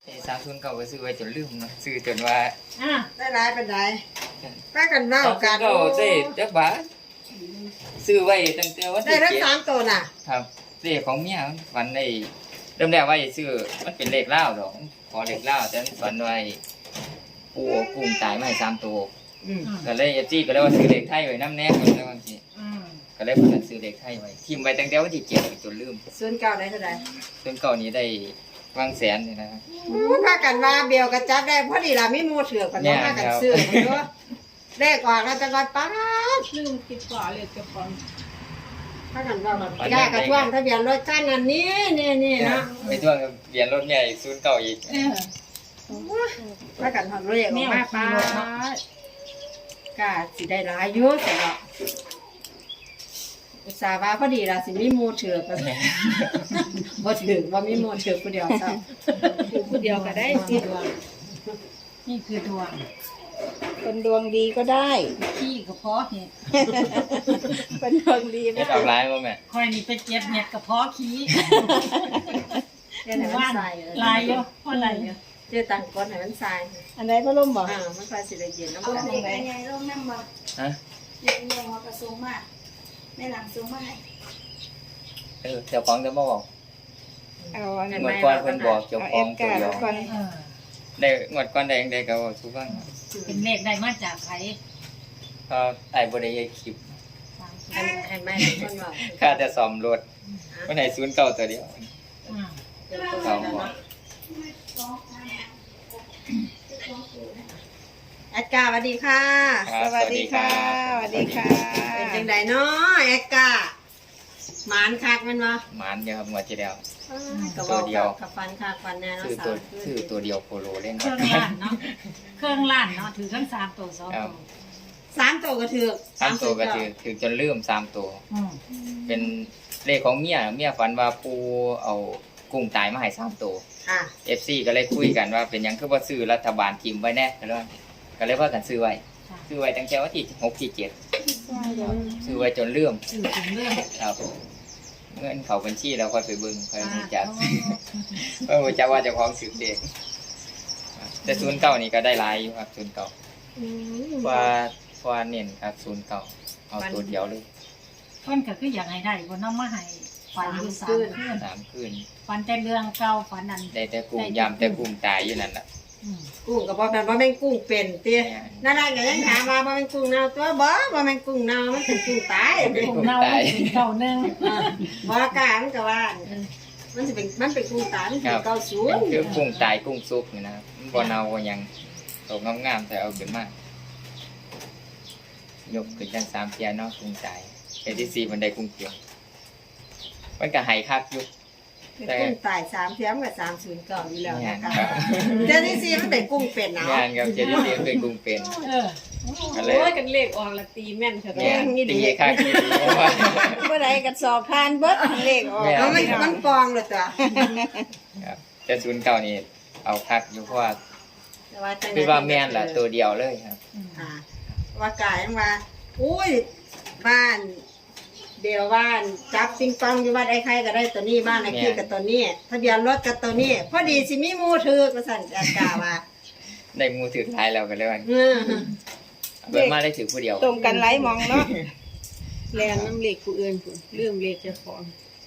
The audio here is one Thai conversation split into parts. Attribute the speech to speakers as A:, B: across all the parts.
A: 30ก็ซื้อไว้จนลืมเนาะซื้อจนว่า
B: ได้หลายเป็นไรป้ากันเล่ากัน
A: ก็ได้จักบาทซื้อไว้ตั้งแต่วัน
B: ได้
A: ที่
B: ทั้ง3ตัวน่ะ
A: ครับเลขของเมียฝันได้เริ่มแรกว่าจะซื้อมันเป็นเลขลาวดอกขอเลขลาวแต่ฝันไว้ปูกุ้งตายมาให้3ตัวก็เลยจี้ก็เลยว่าซื้อเลขไทยไว้นำแน่คนแล้วบางทีก็เลยพากันซื้อเลขไทยไว้ทิ่มไว้ตั้งแต่วันที่7จนลืม
B: ส่วนเก่าได้เท่าใด
A: ส่วนเก่านี้ได้วางแสนนี่นะครับ
B: พากันว่าเบียวกระจับได้พอดีล่ะมีหมู่เถือกกันบ่พากันซื้อเนาะเลขออกแล้วจะว่าป๊าด
C: ลืมคิดก่อนเลยเจ้าของ
B: พากันว่าแบบย่ากระท่วงทะเบียนรถคันนั้นนี่เนาะ
A: ไปท่วงทะเบียนรถใหญ่09อีก
B: พากันทำเลขออกมาป๊าดก็สิได้หลายอยู่แต่ว่าอุตส่าห์ว่าพอดีล่ะสิมีหมู่เถือกกันบ่ถึงว่ามีหมู่เถือกผู้เดียวซ้ำ
C: คือผู้เดียวก็ได้สิดวงนี่คือดวงคนดวงดีก็ได้ขี้ก็เพาะเห็ดคนดวงดี
A: ไม่เอาร้ายบ่แม่
C: คอยนี่ไปเก็บเห็ดกับเพาะขี้
B: เดี๋ยวให้มันใส่
C: ลายเยอะเพราะอะไรเยอะ
B: เดี๋ยวตั้งก้นให้มันใส่
C: อันใดพัดลมบ่
B: มันค่อยสิได้เย็นน้ำ
D: เอา
B: มัน
D: เด็กใหญ่ลงน้ำบ่
A: ฮะ
D: เด็กใหญ่มากระสูงมากในหลังสูงมาก
A: เจ้าของจะมาบอกงวดก่อนเพิ่นบอกเจ้าของตัวเดียวได้งวดก่อนได้จังได๋ก็ว่าสู่ฟัง
C: เป็นเลขได้มาจากไผ
A: ก็ไอ้บ่ได้เฮ็ดคลิป
B: ให้แม่คนบอก
A: ค่าแต่ซ่อมรถวันไหน09ตัวเดียว
B: เอาแอดกาสวัสดีค่ะ
A: สวัสดีค่ะ
C: สวัสดีค่ะ
B: เป็นจังไดเนาะแอดกาหมานคักมันบ่
A: หมานเดียวครับงวดที่แล้ว
B: ตัวเดียวกับฟันคักฟันแน่เนาะ
A: ซื้อตัวเดียวโคโลเล่น
C: เครื่องล้านเนาะเครื่องล้านเนาะถือทั้ง3ตัว2ตัว
B: 3ตัวก็ถือ
A: 3ตัวก็ถือจนลืม3ตัวเป็นเลขของเมียฝันว่าปูเอากุ้งตายมาให้3ตัวFC ก็เลยคุยกันว่าเป็นหยังคือบ่ซื้อรัฐบาลทีมไว้แน่ก็เลยพากันซื้อไว้ตั้งแต่วันที่6ที่7ซื้อไว้จนลืมครับเงินเข้าบัญชีแล้วค่อยไปเบิ่งค่อยรู้จักรู้จักว่าเจ้าของซื้อเด็กแต่09นี่ก็ได้หลายอยู่ครับ09ว่าเน้นครับ09เอาตัวเดียวเลย
C: เพิ่นก็คืออยากให้ได้บ่นำมาให้ฝันอยู่3
A: คืน
C: ฝันแต่เรื่องเก่าฝันนั้น
A: ได้แต่กุ้งยำแต่กุ้งตายอยู่นั่นล่ะ
B: กุ้งก็บ่แม่นว่าแม่งกุ้งเป็นตินั่นน่ะก็ยังถามว่าบ่แม่นกุ้งเน่าตัวบ่แม่นกุ้งเน่ามันเป็นกุ้งตาย
C: กุ้งเน่าเป็นเก่านึง
B: บ่กล้ามันก็ว่ามันเป็นกุ้งตายมันเป็นเก่าสูง
A: คือกุ้งตายกุ้งสุกนี่นะมันบ่เน่าบ่หยังตกงามๆแต่เอาขึ้นมายกขึ้นจัง3เที่ยเนาะกุ้งตายแต่ที่4มันได้กุ้งเขียวมันก็ให้คักอยู่
B: เป็นกุ้งตาย3เที่ยมกับ309อยู่แล้วนะคะเจ้าที่4มันเป็นกุ้งเป็นเนาะ
A: งานครับเจ้าที่4เป็นกุ้งเป็น
C: โอ้ยกันเลขออกละตีแม่นเถอะ
A: แม่นตีคักตี
C: เมื่อใดก็สอบผ่านเบิดเลขออก
B: มันฟองเลยจ้ะ
A: ครับแต่09นี่เอาคักอยู่เพราะว่าคือว่าแม่นล่ะตัวเดียวเลยครับ
B: ว่ากายว่าอุ้ยบ้านเดียวบ้านจับปิงปองอยู่บ้านไอ้ใครก็ได้ตัวนี้บ้านไอ้ขี้กับตัวนี้ทะเบียนรถกับตัวนี้พอดีสิมีหมู่ถือก็สั่นกาว่า
A: ได้หมู่ถือท้ายแล้วก็เลยว่าเบิ่งมาได้ถือผู้เดียว
C: ตรงกันหลายมองเนาะแลนน้ำเลขผู้อื่นพุ่นลืมเลขเจ้าของ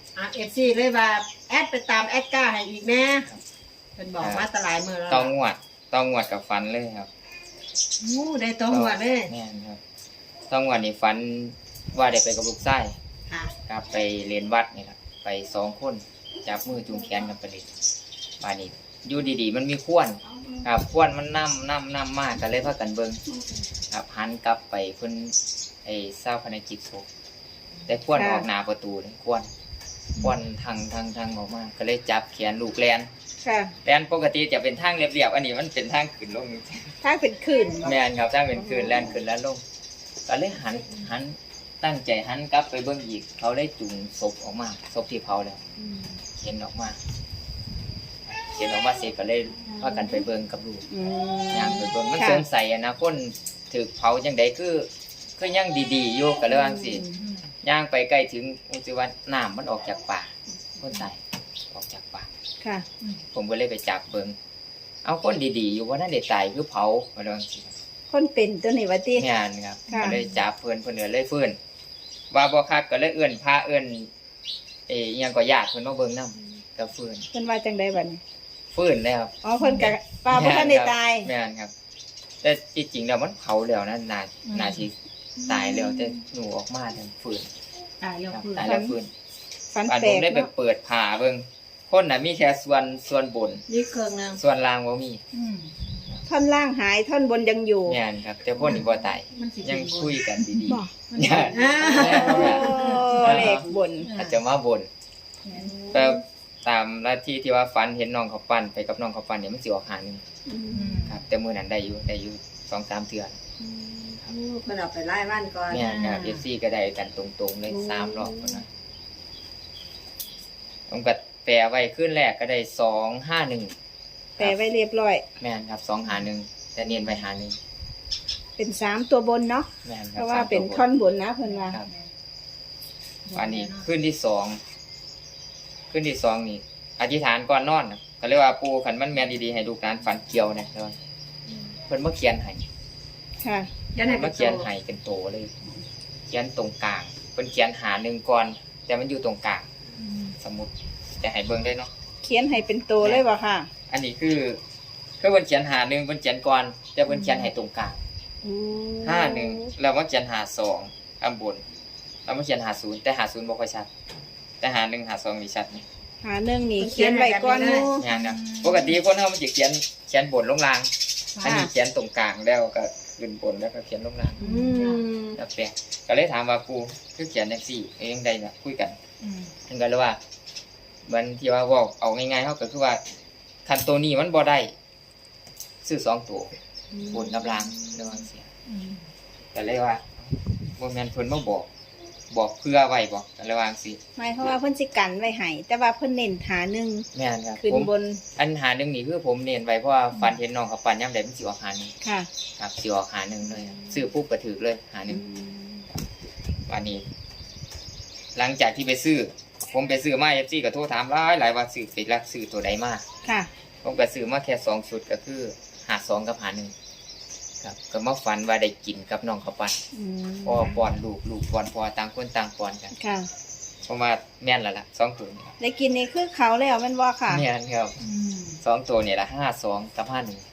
B: FC เลยว่าแอดไปตามแอดก้าให้อีกแม่เพิ่นบอกมาตลาดมื้อแล้ว
A: ต้องงวดกับฟันเลยครับ
B: ได้ต้องงวดเลย
A: แม่นครับต้องงวดนี่ฟันว่าได้ไปกับลูกชายครับไปเรียนวัดนี่ล่ะไป2คนจับมือจูงแขนกันไปเลยบ้านนี้อยู่ดีๆมันมีขว้นครับขว้นมันนำมากก็เลยพากันเบิ่งครับหันกลับไปเพิ่นไอ้เศร้าภารกิจศพแต่ขว้นออกหน้าประตูเลยขว้นทางออกมาก็เลยจับแขนลูกแลนแลนปกติจะเป็นทางเรียบๆอันนี้มันเป็นทางขึ้นลง
C: ทางเป็นขึ้น
A: แม่นครับทางเป็นขึ้นแลนขึ้นแล้วลงก็เลยหันตั้งใจหันกลับไปเบิ่งอีกเขาได้จุงศพออกมาศพที่เผาแล้วเห็นออกมาเสร็จก็เลยพากันไปเบิ่งกับลูกย่างไปเบิ่งมันสงสัยนะคนถูกเผาจังได๋คือยังดีๆอยู่ก็เลยว่าจังซี่ย่างไปใกล้ถึงสิว่าน้ำมันออกจากปากคนตายออกจากปากผมก็เลยไปจับเบิ่งเอาคนดีๆอยู่ว่านั่นได้ตายคือเผาว่าจังซี่
C: คนเป็นตัวนี้ว่าติ
A: งานครับ
C: ค่ะ
A: ก็เลยจับเพิ่นเลยฟื้นว่าบ่คักก็เลยเอื้อนพาเอื้อนอิหยังก็ญาติเพิ่นมาเบิ่งนำก็ฟื้น
C: เพิ่นว่าจังไดบัดนี้
A: ฟื้นแล้ว
C: อ๋อเพิ่นก็ป้าบ่ทันได้ตาย
A: แม่นครับ แต่ที่จริงแล้วมันเผาแล้วนะน่าสิตายแล้วแต่หนูออกมาทันฟื้น
D: ตายแล้ว
A: ครับ
D: คือ
A: ตายแล้วฟื้น
C: ฝัน
A: อัน
C: แปล
A: ผม
C: ก
A: ได้ไป
C: เนาะ
A: เปิดผ่าเบิ่งคนน่ะมีแค่ส่วนบน
B: นี่เครื่องนึง
A: ส่วนล่างบ่มี
C: ท่อนล่างหายท่อนบนยังอยู่
A: แม่นครับ แต่คนนี่บ่ตาย
D: มันสิ
A: ยังคุยกันดี
C: บ่
A: ๆญาติ
C: โอ้เลขบน
A: อาจจะมาบน แต่ตามลัทธิที่ว่าฝันเห็นน้องเขาปั้นไปกับน้องเขาปั้นเนี่ยมันสิออกหาหนึงครับ แต่มื้อนั้นได้อยู่ 2-3 เทื่อ
B: เพิ่นเอาไปไล่บ้านก่อน
A: แม่นครับ FC ก็ได้กันตรงๆเลย3รอบพุ่นน่ะผมก็แปลไว้คืนแรกก็ได้251
C: แต่ไว้เรียบร้อย
A: แม่นครับ251แต่เน้นไว้51
C: เป็น3ตัวบนเนาะ
A: แม่นค
C: เพ
A: รับ
C: ราะว่าเป็น
A: สมตัว
C: ท่อนบนนะเพิ่นว่า
A: ครับวันนี้คืนที่2นี่อธิษฐานก่อนนอนน่ะก็เลยว่าปู่คันมันแม่นดีๆให้ลูกหลานฝันเกี่ยวนะแล้วเพิ่นมาเขียนให้
C: ค่ะ
B: ยันให้
A: เพิ่น
B: เป็
A: มาน เขียน
B: โต
A: ให้เป็นโตเลย เขียนตรงกลางเพิ่นเขียนหาหนึ่งก่อน แต่มันอยู่ตรงกลางสมมุติจะให้เบิ่งได้เนาะ
C: เขียนให้เป็นตัวเลยบ่ค่ะ
A: อันนี้คือเพิ่นเขียนหาหนึ่งเพิ่นเขียนก่อนแต่เพิ่นเขียนให้ตรงกลาง51แล้วมาเขียนหา2อันบนแล้วมาเขียนหา0แต่หา0บ่ค่อยชัด แต่หา1หา2นี่ชัดนะ
C: หาหนึ่งนี่เขียนไว้ก่อนหมู่
A: งานนะปกติคนเฮามันจะเขียนบนลงล่าง อันนี้เขียนตรงกลางแล้วก็ขึ้นบนแล้วก็เขียนลงล่าง
C: อืม
A: แล้วแปลกก็เลยถามว่าครูคือเขียนจังซี่เองได้น่ะคุยกันเพิ่นก็เลยว่ามันที่ว่าเว้าเอาง่ายๆเฮาก็คือว่าคันตัวนี้มันบ่ได้ซื้อ2ตัวบนกับล่างระวังเสียก็เลยว่าบ่แม่นเพิ่นมาบอกเพื่อไว้บ่ก็เลยว่าจังซี่
C: หมายความว่าเพิ่นสิกันไว้ให้แต่ว่าเพิ่นเน้นหาหนึ่ง
A: แม่นครับ
C: ขึ้น
A: ผม
C: บน
A: อันหาหนึงนี่คือผมเน้นไว้เพราะว่าฝันเห็นน้องเขาปั่นยามใดมันสิออกหาหนึง
C: ค่ะ
A: ครับสิออกหาหนึงเลยซื้อปุ๊บก็ถือเลยหาหนึงวันนี้ หลังจากที่ไปซื้อ ผมไปซื้อมา FC ก็โทรถามหลายว่าซื้อไปรักซื้อตัวใดมา
C: ค่ะ
A: ผมก็ซื้อมาแค่2ชุดก็คือหา2กับหา1ครับก็มาฝันว่าได้กินกับน้องเขาปั่น
C: อืม
A: พ่อป้อนลูกป้อนพ่อต่างคนต่างป้อนกัน
C: ค่ะ
A: เพราะว่าแม่นแล้วล่ะ2ตัวนี่
C: ได้กินนี่คือเขาแล้วแม่นบ่ค่ะ
A: แม่นครับ2ตัวนี่ล่ะ52กับ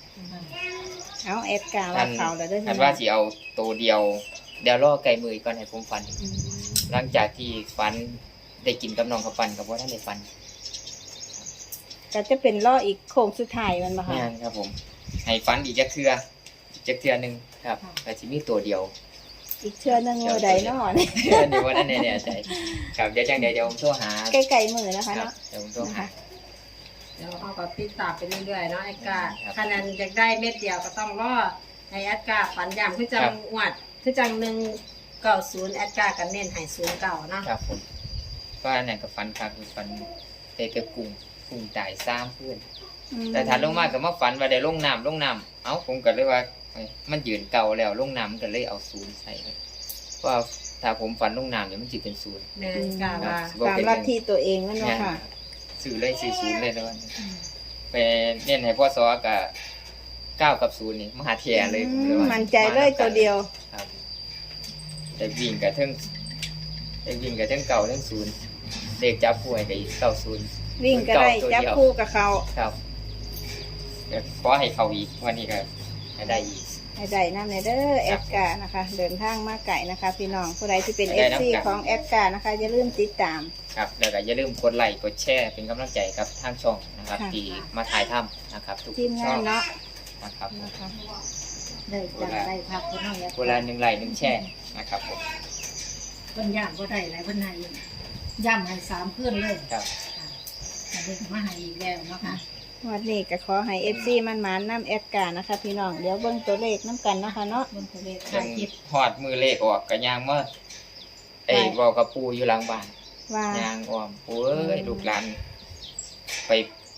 A: 51
C: เอาแอดกาว่าเขาแล้วเด้อ
A: อันว่าสิเอาตัวเดียวเดี๋ยวรอไก่มือก่อนให้ผมฟัน หลังจากที่ฟันได้กินกับน้องเขาฟันกับว่าท่านได้ฟัน
C: ก็จะเป็นล่ออีกโค้งสุดท้ายมันบ่ค่ะ
A: งานครับผม ให้ฟันอีกจักเทื่อหนึงครับแต่สิมีตัวเดียว
C: อีกเทื่อหนึงมื้อใดเนาะ
A: เดี๋ยวว่าท่านแน่ใจครับเดี๋ยวจังเดี๋ยวผมโทรหา
C: ใกล้ๆมื้อนะคะ
A: ครับ
C: เนาะ
A: เดี๋ยวผมโทรหา
B: เดี๋ยวเอาก็ติดตามไปเรื่อยๆเนาะไอ้กา
A: ครับ
B: ขนาดอยากได้เม็ดเดียวก็ต้องรอให้แอดกาฝันย้ำคือจัง
A: ครับ
B: งวดคือจัง190แอดกากันเน้นให้09เนาะ
A: ครับผมก็อันไหนกับฟันครับคือฟันเตะกระกุ้งตาย3เพื่อน แต่ถ้าลงมาก็มาฝันว่าได้ลงน้ำเอ้าผมก็เลยว่าเอ้ยมันยืนเก่าแล้วลงน้ำมันก็เลยเอา0ใส่เลยเพราะว่าถ้าผมฝันลงน้ำเนี่ยมันสิเป็น0
B: แม่นกาว่า
C: ตามลัทธิตัวเองแม่นบ่ค่ะ
A: ซื้อเลยซื้อ0เลยแล้วไปเน้นให้พ่อซอกับ9กับ0นี่มหาเทียเลยผมเลยว่า
C: มั่นใจเลยตัวเดียว
A: ครับแต่วิ่งกับเทั้งเก่าทั้ง0เลขจับคู่ให้ก็อีก90
C: วิ่งก็ได้จับคู่กับเขา
A: ครับเดี๋ยวขอให้เขาอีกวันนี้ก็ให้ได้อีก
C: ให้ได้นำในเด้อแอดกานะคะ เดินทางมาไกลนะคะ พี่น้องผู้ใดที่เป็น
A: ได้นำ
C: FC
A: กัน
C: ของแอดกานะคะอย่าลืมติดตาม
A: ครับแล้วก็อย่าลืมกดไลค์กดแชร์เป็นกำลังใจกับทางช่องนะครับ
C: ค่ะ
A: ที่มาถ่ายทำนะครับทุก
C: ทีมงานเนาะ
A: นะครับ
C: นะคะ
D: ได้จังได้พักคนน้อย
A: เวลา1ไลค์1แชร์นะครับผม
D: เพิ่นย่างบ่ได้หลายเพิ่นให้ย่ำให้3คืนเลย
A: ครับ
D: ค่ะเด็กมาให้อีกแล้วเนาะค่ะ
C: วันนี้ก็ขอให้ FC มันมานๆนำแอดกานะคะ พี่น้องเดี๋ยวเบิ่งตัวเลขน้ำกันเนาะคะเนาะ
D: บนทะเล
A: จ
D: ถ่าน ยคลิป
A: ฮอดมือเลขออกก็ย่างมาไอ้เว้ากับปู่อยู่หลังบ้าน
C: ว่า
A: ย่างอ้อมปู่เอ้ยลูกหลานไป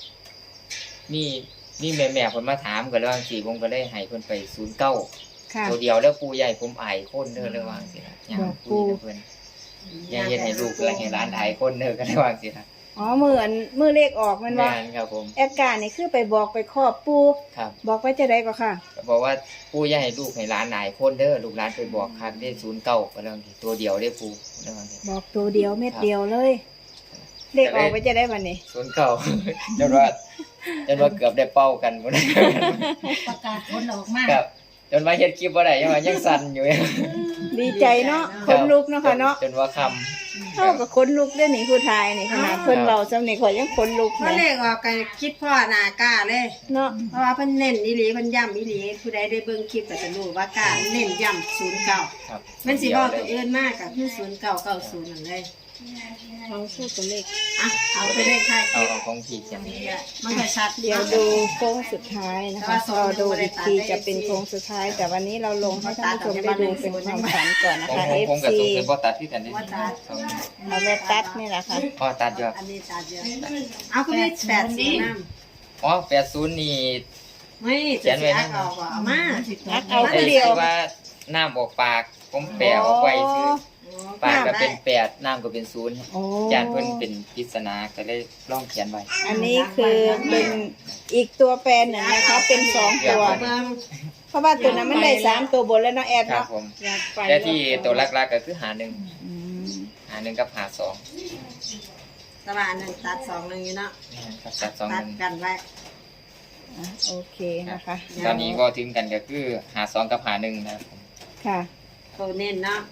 A: นี่แม่ๆเพิ่นมาถามก็เลยว่าสิผมก็เลยให้เพิ่นไป09
C: ค่ะ
A: ตัวเดียวแล้วปู่ใหญ่ผมอายคนเด้อเลยว่าจังซี่ล่ะย่างคุยกับเพิ่นอย่าเฮ็ดให้ลูกและให้หลานอายคนเด้อก็เลยว่าจังซี่ล่ะ
C: อ๋อมือเลขออกมันว่า
A: แม่นครับผม
C: แอดการ์นี่คือไปบอกไปครอบปู
A: ครับ
C: บอกไว้จะได้ก็ค่ะ
A: ก็บอกว่าปู่อย่าให้ลูกให้หลานหลายคนเด้อลูกหลานไปบอกคักได้09ก็แล้วนี่ตัวเดียวได้ปู่แล้วนี่
C: บอกตัวเดียวเม็ดเดียวเลย เลขออกไว้จะได้วันนี้
A: 09 จนว่าเกือบได้เป้ากันบ่ได้
D: ประกาศผลออกมา
A: ครับจนว่าเฮ็ดคลิปบ่ได้ยังสั่นอยู่
C: ดีใจเนาะคนลุกเนาะค่ะเนาะ
A: จนว่าค่ำ
C: เท่ากับคนลุกได้หนิผู้ทายนี่ขนาดเพิ่นเราจำนี่ข่อยยังคนลุก
B: เพราะเล
C: เลย
B: ขออกก็คิดพ่อหน้ากล้าเลย
C: เนาะ
B: เพราะว่าเพิ่นเน้นอีหลีเพิ่นย้ำอีหลีผู้ใดได้เบิ่งคลิปก็จะรู้ว่ากล้าเน้นย้ำ09
A: ครับ
B: มันสิบอกตัวอื่นมากกับคือ0990นั่นเลย
C: เอาสู้ตัวเลข
B: อ่ะเอาไปเลขท้ายค
A: เอา
B: ลิป
A: ของพี่เขียน
B: นี่แหละมันก็ชัด
C: เดี๋ยวดูโค้งสุดท้ายนะคะรอดูอีกทีจะเป็นโค้งสุดท้าย แต่วันนี้เราลงให้ท่านผู้ชมได้ดูเป็นความฝันก่อนนะ
A: ผม
C: คะ
A: ผมกับ
C: FC
A: สูงเป็นบ่ตัดที่กันได้
C: เอาแบบตัดนี่แหละค่ะ
A: อ๋อตัดอยู่
B: อันนี้ตัดเยอะเอาคุณนี่80น้ำ
A: อ๋อ80นี่
B: ไม่จะสิอักเอาบ่เอามา
C: อักเอา
A: ไอ้
C: ผู้เดียว
A: ที่ว่าน้ำออกปากผมแปะออกไว้คือปากก็เป็น8น้ำก็เป็น0
C: โอ้
A: จานเพิ่นเป็นปริศนาก็เลยลองเขียนไว้
C: อันนี้คือเป็นอีกตัวแปรหนึ่งนะคะเป็นสองตัว
B: เบิ่ง
C: เพราะว่าตัวนั้นมันได้3ตัวบนแล้วเนาะแอด
A: ครับ
C: เนาะ
A: ผม
B: อยากไป
A: แต่ที่ตัวหลักๆก็คือหา1
C: อืม
A: หา1กับหา2
B: ตะวันนึงตัด2นึงอยู่เนาะ
A: ครับตัด2
B: ตัด
A: 1
B: กันไว้
C: อ่ะโอเคนะคะ
A: ตอนนี้ก็ถึงกันก็คือหา2กับหา1นะครับผม
C: ค่ะ
B: โตเน้นเนาะ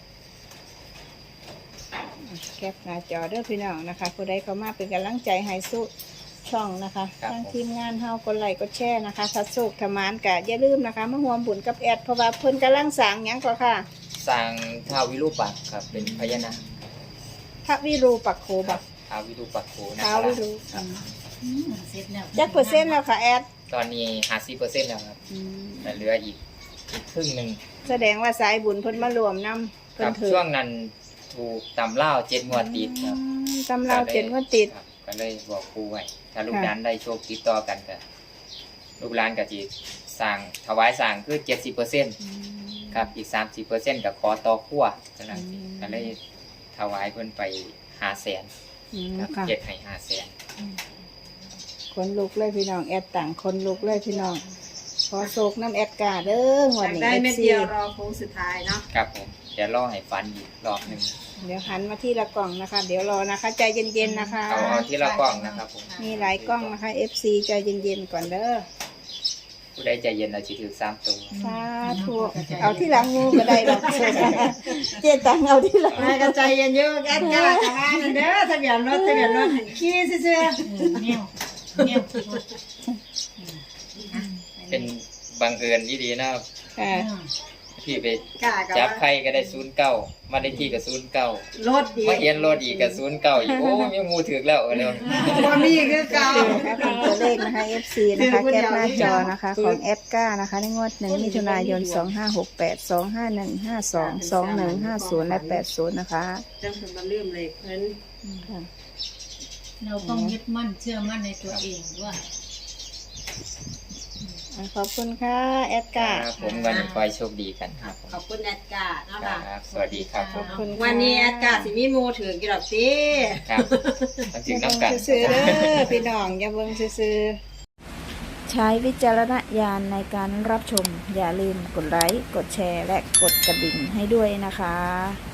C: แคปหน้าจอเด้อพี่น้องนะคะผู้ใดเข้ามาเป็นกำลังใจให้สู้ช่องนะคะทางทีมงานเฮากดไลค์กดแชร์นะคะถ้าโชคทมานกะอย่าลืมนะคะมาร่วมบุญกับแอดเพราะว่าเพิ่นกำลังสร้างหยังก็ค่ะ
A: สร้างท้าววิรูปักษ์ครับเป็นพญานาค
C: พระวิรูปักโขบัก
A: ท้าววิรูปักษ์โขนะ
C: ท้า
A: คว รับ
C: วิรู
D: เสร็จแล้ว
C: จักเปอร์เซ็นต์แล้วค่ะแอด
A: ตอนนี้50%แล้วครับ
C: อืม
A: แต่เหลืออีกครึ่งหนึ่ง
C: แสดงว่าสายบุญเพิ่นมารวมนำ
A: ค
C: เพิ่
A: รั
C: น
A: บ
C: ถือ
A: ช่วงนั้นถูกตำเล่าว7 งวดติดครับ
C: ตำราเจ็ดก็ติด
A: ครับก็เลยบอกครูไว้ถ้าลูก
C: ค่ะ
A: หลานได้โชคติดต่อกันก็ลูกหลานก็จะสั่งถวายสั่งคือ 70%ครับอีก 30%ก็ขอต่อขั้วฉะนั้นก็เลยถวายเพิ่นไป500,000
C: อืม
A: ครับ
C: ค่ะ
A: เจ็ดให้500,000
C: คนลุกเลยพี่น้องแอดต่างคนลุกเลยพี่น้องขอโศกน้ำแอดกาเด้อหัวย
B: อาก
C: นี้
B: ได้เม็ด
C: FC
B: เดียวรอโค้งสุดท้ายเนาะ
A: ครับผมเดี๋ยวรอให้ฟันอีกรอบหนึง
C: เดี๋ยวหันมาที่ละกล่องนะคะ เดี๋ยวรอนะคะ ใจเย็นๆนะคะ
A: เอาที่ละกล้องนะครับผม
C: มีหลายกล้องนะคะ FC ใจเย็นๆก่อนเด้อ
A: ผู้ใดใจเย็นเราสิถือ3ตัว
C: สาธุเอาที่หลังงูก็ได้หรอกเจ๊ตังเอาที่หลัง
B: นายกระใจเย็นเยอะแอดกล้าจะว่านั่นเด้อทะเบียนรถหันขี้ซื่อ
D: เนี่ย
A: เป็นบังเอิญที่ดีนะครับ
C: ค่ะ
A: พี่ไป
B: ๆกล้ากับ
A: จับ
B: ว่า
A: ใครก็ได้09มาได้ที่ก็09
B: รถดี
A: มาเห็นรถอีกก็09อีกโอ้ยมูถึกแล้วเร็ว
B: บ่มีคือเก่า
C: นะคะเป็นตัวเลขนะคะ FC นะคะแคปหน้าจอนะคะของแอดก้านะคะในงวด1 มิถุนายน 2568 25152 2150 และ 80 นะคะ
B: จังเพิ่นมาลืมเลยเพิ่น
C: ค่ะ
D: เราต้องยึดมั่นเชื่อมั่นในตัวเองว่า
C: ขอบคุณค่ะแอดก้า
A: ครับผมวันนี้ขอให้โชคดีกันครับผม
B: ขอบคุณแอดกาเนาะ
A: ค
B: ค่ะ
A: รับสวัสดีครับ
C: ขอบคุณค่ะ
B: วันนี้แอดกาสิมีหมู่ถือกี่ดอกติ
A: ครับต้องถึงน้ำกัน
C: ซื้อๆเด้อพี่น้องอย่าเบิ่งซื้อๆใช้วิจารณญาณในการรับชม อย่าลืมกดไลค์ กดแชร์ และกดกระดิ่งให้ด้วยนะคะ